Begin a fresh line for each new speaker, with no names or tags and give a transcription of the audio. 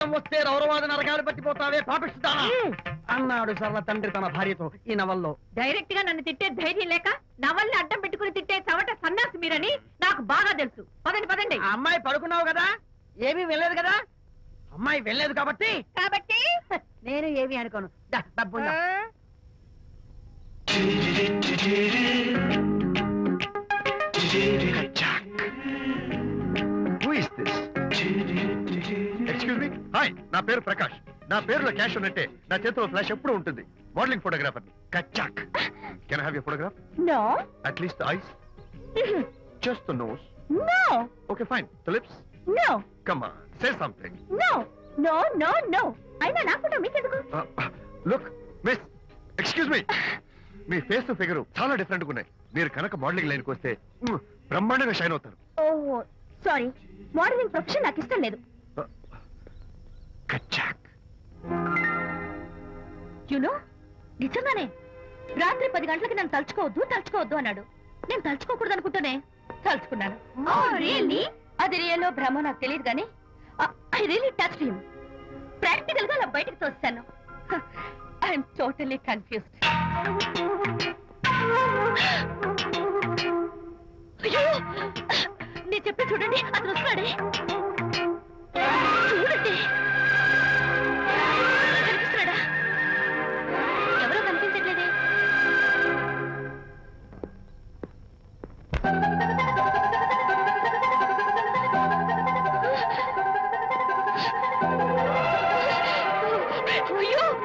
వస్తే రౌరవాద నరకాలు పట్టిపోతావే పాపిస్తానా అన్నాడు సరళ తండ్రి తన భార్యతో ఈ నవల్లో.
డైరెక్ట్ గా నన్ను తిట్టే ధైర్యం లేక నవల్ని అడ్డం పెట్టుకుని తిట్టే చవట సన్నాసి మీరని నాకు బాగా తెలుసు. పదండి పదండి.
ఆ అమ్మాయి పడుకున్నావు కదా, ఏమీ వెళ్ళలేదు కదా. అమ్మాయి వెళ్ళలేదు కాబట్టి నేను ఏమీ అనుకోను. దా, డబ్బు ఉందా?
ఎక్స్క్యూజ్ మీ, హాయ్, నా పేరు ప్రకాష్. నా పేరులో క్యాష్ ఉన్నట్టే నా చేతిలో ఫ్లాష్ ఎప్పుడు ఉంటుంది. మోడలింగ్ ఫోటోగ్రాఫర్ కచ్చాక్. Can I have your photograph?
No.
At least eyes, just the nose.
No.
Okay fine, the lips.
No.
Come on, say something.
No no no no. అయినా నాకు మీకెందుకు?
లుక్ మిస్, ఎక్స్క్యూజ్ మీ, మీ face figure చాలా different గా ఉన్నాయి. మీరు కనుక modelling లైన్కి వస్తే బ్రహ్మాండంగా షైన్ అవుతారు.
ఓహో సారీ, మోడలింగ్ ప్రొఫెషన్ నాకు ఇష్టం లేదు.
కచ్చాక్.
యునో, నిజంగానే రాత్రి 10 గంటలకి నన్ను తలుచుకోవద్దు అన్నాడు. నేను తలుచుకోకూడదు అనుకుంటూనే తలుచుకున్నాను. అది రియల్లో భ్రమ నాకు తెలియదు కానీ I really touch him. Practical గా అలా బయటకు తోస్తాను. I'm totally confused. అయ్యో, నేను చెప్పి చూడండి, అతను వస్తున్నాడే.